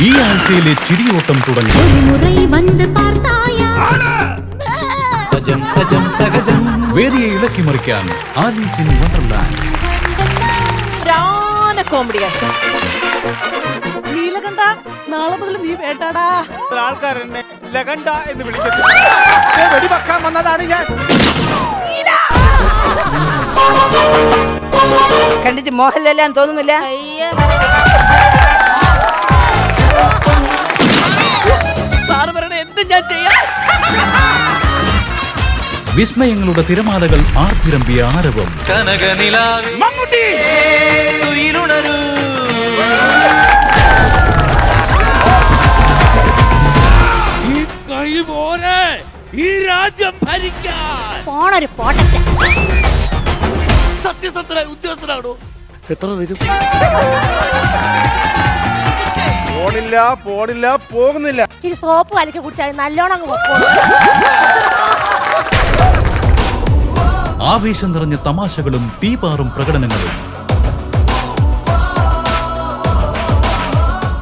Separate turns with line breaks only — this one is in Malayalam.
ഈ ആഴ്ചയിലെ ചിരിയോട്ടം തുടങ്ങി. വേദിയെ ഇളക്കി മറിക്കാൻ ആലീസ് ഇൻ വണ്ടർലാൻഡ്.
നീലകണ്ഠ, നാളെ മുതൽ നീ വേട്ടാടാ.
ആൾക്കാർ എന്നെ ലഗണ്ട എന്ന് വിളിക്കുന്നു. വെടിവെക്കാൻ വന്നതാണ് ഞാൻ.
കണ്ടിട്ട് മോഹൻലാലാന്ന് തോന്നുന്നില്ല. സാറ് പറയണ എന്ത് ഞാൻ ചെയ്യാം.
വിസ്മയങ്ങളുടെ തിരമാലകൾ ആർത്തിരമ്പിയ ആരവം.
മമ്മൂട്ടി
ഈ കഴിവോരെ ഈ രാജ്യം ഭരിക്കാൻ
പോണൊരു പോട്ടച്ച.
സത്യസന്ധനായ ഉദ്യോഗസ്ഥനാണോ? എത്ര തരും?
പോണില്ല പോകുന്നില്ല.
ഇച്ചിരി സോപ്പ് കലക്കി കുടിച്ചാൽ നല്ലോണം അങ്ങ് പൊക്കോളൂ.
ആവേശം നിറഞ്ഞ തമാശകളും തീപാറും പ്രകടനങ്ങളും